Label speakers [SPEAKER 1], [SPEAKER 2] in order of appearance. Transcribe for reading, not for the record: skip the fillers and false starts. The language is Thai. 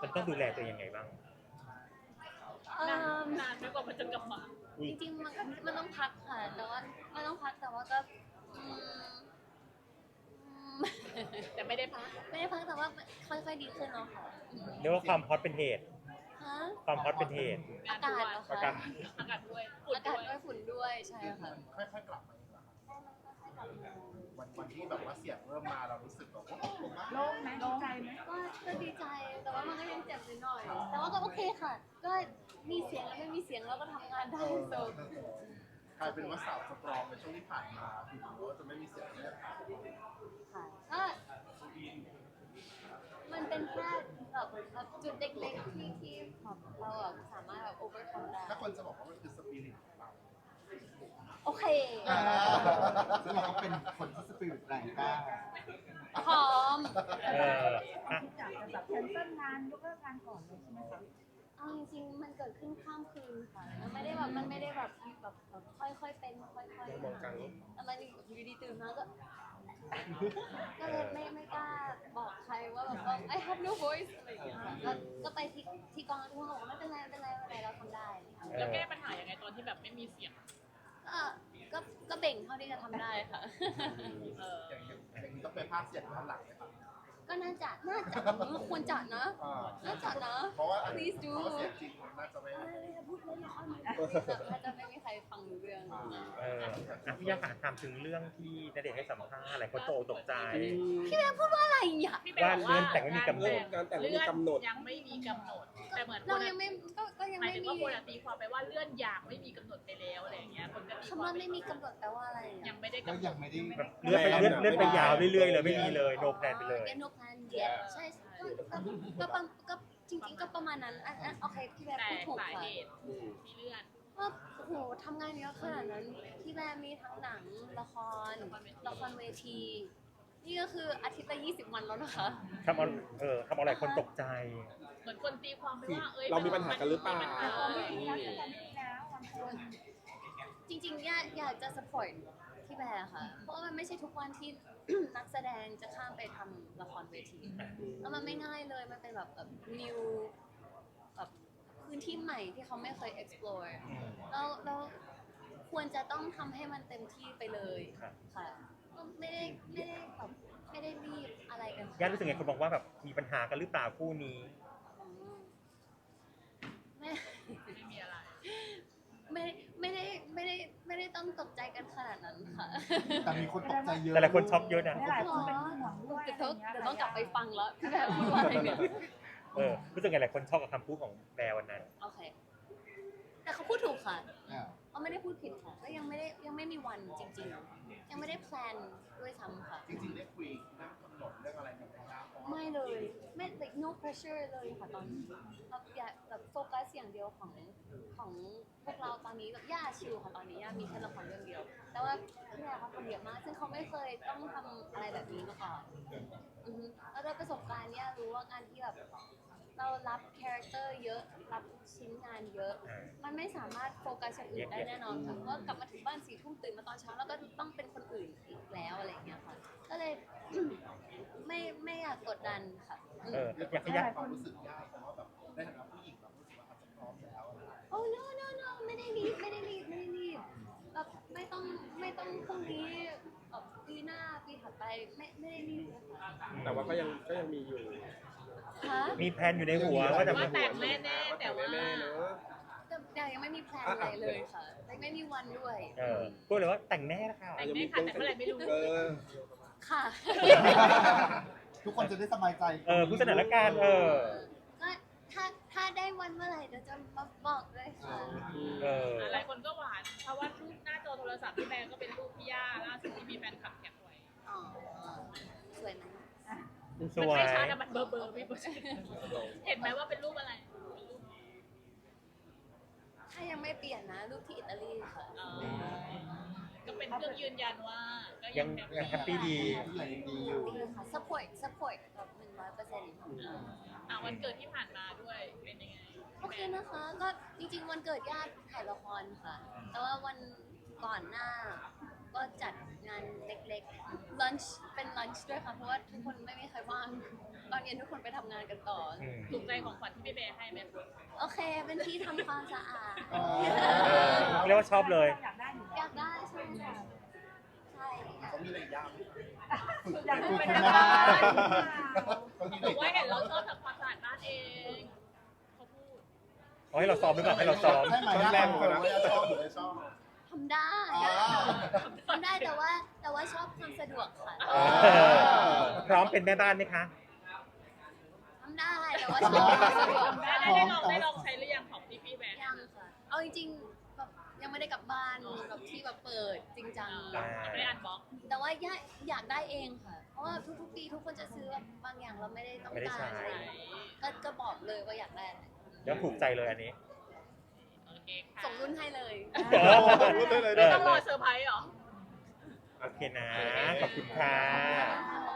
[SPEAKER 1] มันต้องดูแลตัวเองยังไงบ้าง
[SPEAKER 2] นานไม่กว่ามันจะกลับมา
[SPEAKER 3] จริงๆมันต้องพักค่ะแต่ว่ามันต้องพักแต่ว่าก็อืม
[SPEAKER 2] แต่ไม่ได้พัก
[SPEAKER 3] แต่ว่าค่อยๆดีขึ้นเนาะค่ะ
[SPEAKER 1] เรียกว่าความฮอตเป็นเหตุ
[SPEAKER 3] ฮะ
[SPEAKER 1] ความฮอตเป็นเหตุ
[SPEAKER 3] อากาศเหรอคะ
[SPEAKER 1] อากาศ
[SPEAKER 2] อากาศด้วย
[SPEAKER 3] อากาศด้วยฝุ่นด้วยใช่ค่ะ
[SPEAKER 4] ค่อยๆกลับมาเองเหรอครับวันที่แบบว่าเสียงเริ่มมาเรารู้สึกแบบว่า
[SPEAKER 5] โล่งไหมดีใจไหม
[SPEAKER 3] ก็ดีใจแต่ว่ามันก็ยังเจ็บนิดหน่อยแต่ว่าก็โอเคค่ะก็มีเสียงแล้วไม่มีเสียงเราก็ทำงานได้โซ
[SPEAKER 4] กลายเป็นว่าสาวสตรองในช่วงที่ผ่านมาถึงรู้ว่าจะไม่มีเสียงเนี่ย
[SPEAKER 3] ค่ะก็มันเป็นแค่แบบจุดเล็กๆที่เราแบบสามารถแบบ overcome ได้
[SPEAKER 4] ถ้าคนจะบอกว่ามันคือสปิริตของเรา
[SPEAKER 3] โอเค
[SPEAKER 6] ซึ่งเราก็เป็นคนที่สปิริตแรงกล้า
[SPEAKER 3] พร้อม
[SPEAKER 5] อยากจะแบบแคนเซิลงานยกเลิกงานก่อนเลยใช่ไหมคะ
[SPEAKER 3] เอาจริงๆมันเกิดขึ้นข้ามคืนค่ะมันไม่ได้แบบค่อยๆเป็นค่อยๆแต่มันอยู่ดีตื่นมาก็เลยไม่กล้าบอกใครว่าแบบว่า I have no voice อะไรอย่างเงี้ยค่ะก็ไปที่กองทุกคนบอกว่าไม่เป็นไรเราทำได้
[SPEAKER 2] แล้วแก้ปัญหายังไงตอนที่แบบไม่มีเสียง
[SPEAKER 3] ก็เบ่งเท่าที่จะทำได้ค่ะ
[SPEAKER 4] อย่างนี้ต้องไปภาคเสียงด้านหลังไหมครับ
[SPEAKER 3] ก็น่าจะควรจัดนะน่าจัดนะ
[SPEAKER 4] เพราะว่า
[SPEAKER 3] please do
[SPEAKER 4] เสียงจริงมันน่าจะไม่
[SPEAKER 3] พูดเล่นน่าจะไม่มีใครฟังรู้เรื่อง
[SPEAKER 1] พี่ยาถามถึงเรื่องที่ณเดชน์ให้สัมภาษณ์อะไรเขาตกใจ
[SPEAKER 3] พี่แม่พูดว่าอะไรอ่ะ
[SPEAKER 1] ว่าเลื่อนแต่งไม่มีกำหนด
[SPEAKER 2] การแต่งไม่มีกำหนดยังไม่มีกำหนดแต่เหมือน
[SPEAKER 3] เรายังไม่ก็ยังไม่มี
[SPEAKER 2] คนตีความไปว่าเลื่อนอย่างไม่มีกำหนดไปแล้วอะไรอย่างเงี้ยคนก็ตี
[SPEAKER 3] คำว่าไม่มีกำหนดแปลว่าอะไร
[SPEAKER 2] ยังไม่ได้
[SPEAKER 6] ก็
[SPEAKER 2] กำหน
[SPEAKER 6] ยั
[SPEAKER 2] ด
[SPEAKER 6] งไม่ได้
[SPEAKER 1] เลื่อนไปยาวเรื่อยๆเลยไม่มีเลย no plan ไปเลย
[SPEAKER 3] no plan yet ใช่ก็จริงๆก็ประมาณนั้นโอเคพี่แม่พูดถูกค่ะ
[SPEAKER 2] ที่เลื่อน
[SPEAKER 3] ว่าโอ้โหทำงานเยอะขนาดนั้นพี่แม่มีทั้งหนังละครเวทีนี่ก็คืออาทิตย์ละ20 วันแล้วนะคะ
[SPEAKER 1] ทำอะไรคนตกใจ
[SPEAKER 2] เหมือนคนตีความไปว่า
[SPEAKER 7] เรามีปัญหากันหรือเปล่า
[SPEAKER 3] จริงๆอยากจะ support ที่แบร์ค่ะเพราะว่ามันไม่ใช่ทุกวันที่ นักแสดงจะข้ามไปทำละครเวทีแล้วมันไม่ง่ายเลยมันเป็นแบบnew แบบพื้นที่ใหม่ที่เขาไม่เคย explore แล้วควรจะต้องทำให้มันเต็มที่ไปเลยค่ะไม่ได้รีบอะไรกัน
[SPEAKER 1] ย่ารู้สึกไงคนบอกว่าแบบมีปัญหากันหรือเปล่าคู่นี้
[SPEAKER 3] ไม่
[SPEAKER 2] มีอะไร
[SPEAKER 3] ไม่ได้ต้องตกใจกันขนาดนั้นค่ะ
[SPEAKER 6] แต่มีคนตกใจเยอะ
[SPEAKER 1] แต่หลายคนช็อกเยอะนะ
[SPEAKER 5] หลายคนเป็นห่วงด้วย
[SPEAKER 3] เดี๋ยวต้องกลับไปฟังแล้วพี่แบบพูดว่าอะไรเนี่ย
[SPEAKER 1] รู้สึกไงหลายคนช็อกกับคำพูดของแบร์วันนั้น
[SPEAKER 3] โอเคแต่เขาพูดถูกค่ะเขาไม่ได้พูดผิดค่ะก็ยังไม่มีวันจริงๆยังไม่ได้แพลนด้วยซ้ำค่ะ
[SPEAKER 4] จริงๆได้คุยเรื่องกำหนดเรื่องอะไรแบบนี้
[SPEAKER 3] ไม่เลยไม่ like no pressure เลยค่ะตอนนี้อยากแบบโฟกัสอย่างเดียวของพวกเราตอนนี้แบบย่าชิลค่ะตอนนี้ย่ามีแค่ละครเรื่องเดียวแต่ว่าพี่แม่เขาทำเยอะมากซึ่งเขาไม่เคยต้องทำอะไรแบบนี้มาก่อนแล้วด้วยประสบการณ์เนี่ยรู้ว่าการที่แบบเรารับคาแรคเตอร์เยอะรับชิ้นงานเยอะมันไม่สามารถโฟกัสอย่างอื่นได้แน่นอนค่ะเพราะกลับมาถึงบ้าน4 ทุ่มตื่นมาตอนเช้าแล้วก็ต้องเป็นคนอื่นอีกแล้วอะไรอย่างเงี้ยค่ะก็เลยไม่อยากกดดันค่ะ
[SPEAKER 1] อยากให้ย่า
[SPEAKER 4] ความรู้สึกยากเพราะว่าแบบในฐานะผู้หญิงเรารู้สึกว่าอาจจะพร้อมแล้ว
[SPEAKER 3] โอ้ no ไม่ได้รีบแบบไม่ต้องพรุ่งนี้ปีหน้าปีถัดไปไม่ได้รีบนะคะ
[SPEAKER 7] แต่ว่าก็ยังมีอยู่
[SPEAKER 1] มีแผนอยู่ในหัวว่าจะ
[SPEAKER 2] แต่งแน่ๆแต่ว่า
[SPEAKER 3] แต่ยังไม่มีแพลนอะไรเลยค่ะไม่มีวันด้วย
[SPEAKER 1] พูดเลยว่าแต่งแน่ค่ะ
[SPEAKER 2] แต่งแน่ค่ะแต่เมื่อไหร่ไม่รู้
[SPEAKER 3] ค่ะ
[SPEAKER 6] ทุกคนจะได้สบายใจ
[SPEAKER 1] ผู้สนับสนุนการ
[SPEAKER 3] ก็ถ้าได้วันเมื่อไหร่เดี๋ยวจะมาบอกด้วยค่ะ
[SPEAKER 2] หลายคนก็หวานเพราะว่ารูปหน้าจอโทรศัพท์พี่แบงก็เป็นรูปพี่ย่าล่าสุดที่มีแฟนคลับแคปไว้
[SPEAKER 3] สวยไหม
[SPEAKER 1] สวย
[SPEAKER 2] ไม่ช้าแต่มันเบอร์พี่เห็นไหมว่าเป็นรูปอะไร
[SPEAKER 3] ถ้ายังไม่เปลี่ยนนะรูปที่อิตาลีค่ะ
[SPEAKER 2] ก็เป็นเครื่องยืนยันว่าก็
[SPEAKER 1] ยังแฮปปี้ดี
[SPEAKER 6] อยู่
[SPEAKER 3] ค่ะ support แบบ100%
[SPEAKER 2] วันเกิดที่ผ่านมาด้วยเป็นยังไง
[SPEAKER 3] โอเคนะคะก็จริงๆวันเกิดญาติถ่ายละครค่ะแต่ว่าวันก่อนหน้าก็จัดงานเล็กๆ lunch เป็น lunch ด้วยค่ะ เพราะว่าทุกคนไม่มีใครว่าง ตอนเย็นทุกคนไปทำงานกันต่อ
[SPEAKER 1] อืม
[SPEAKER 2] ถูกใจของขวัญที่พี่แบร์ให้ไหมคะ
[SPEAKER 3] โอเค เป็นที่ทำความสะอาด
[SPEAKER 1] เรียกว่าชอบเลย
[SPEAKER 5] อยากได้อยู่
[SPEAKER 3] อยากได้ใช่ค่ะใช่
[SPEAKER 4] เขามีอะไรยากไหม
[SPEAKER 5] อยาก
[SPEAKER 6] คุ
[SPEAKER 5] เป็
[SPEAKER 6] ณ
[SPEAKER 5] น
[SPEAKER 6] แม่
[SPEAKER 4] เขามีอะไร
[SPEAKER 2] บอกว่าเห็
[SPEAKER 4] ยาก
[SPEAKER 2] นเราชอบทำความสะอาดบ้านเองเขาพูด
[SPEAKER 1] เอาให้เราซ้อมไปก่อนให้เราซ้อม
[SPEAKER 6] ให้มา
[SPEAKER 7] ชอบ
[SPEAKER 6] ยาก
[SPEAKER 7] แรง
[SPEAKER 6] ก
[SPEAKER 7] กว่า
[SPEAKER 6] ว่า
[SPEAKER 7] นะ
[SPEAKER 4] ไม่ชอบหรือไม่ชอบ
[SPEAKER 3] ทำได้
[SPEAKER 4] อ๋อ
[SPEAKER 3] ทำได้แต่ว่าชอบความสะดวกค่ะ
[SPEAKER 1] เออพร้อมเป็นแม่บ้านไหมคะ
[SPEAKER 3] ทำได้แต่ว่าชอบความสะดวก
[SPEAKER 2] ได้ลองใช้หรือยังของพี่แบร์
[SPEAKER 3] ยังค่ะ เอาจริงๆแบบยังไม่ได้กลับบ้านแบบที่แบบเปิดจริงจัง
[SPEAKER 2] ไม่ได้อ่านบล็อก
[SPEAKER 3] แต่ว่าอยากได้เองค่ะ เพราะว่าทุกๆปีทุกคนจะซื้อแบบบางอย่างเราไม่ได้ต้อง
[SPEAKER 1] ไม่ได้
[SPEAKER 3] การ
[SPEAKER 1] ใช้
[SPEAKER 3] ก็บอกเลยว่าอยากได้อะไร
[SPEAKER 1] แล้วถูกใจเลยอันนี้
[SPEAKER 2] โอเคค่ะ
[SPEAKER 3] ส่งรุ่นให้เลย
[SPEAKER 7] พูดได้เลย
[SPEAKER 2] ไม่ต้องรอเซอร์ไพรส์เหรอ
[SPEAKER 1] โอเคนะ ขอบคุณค่ะ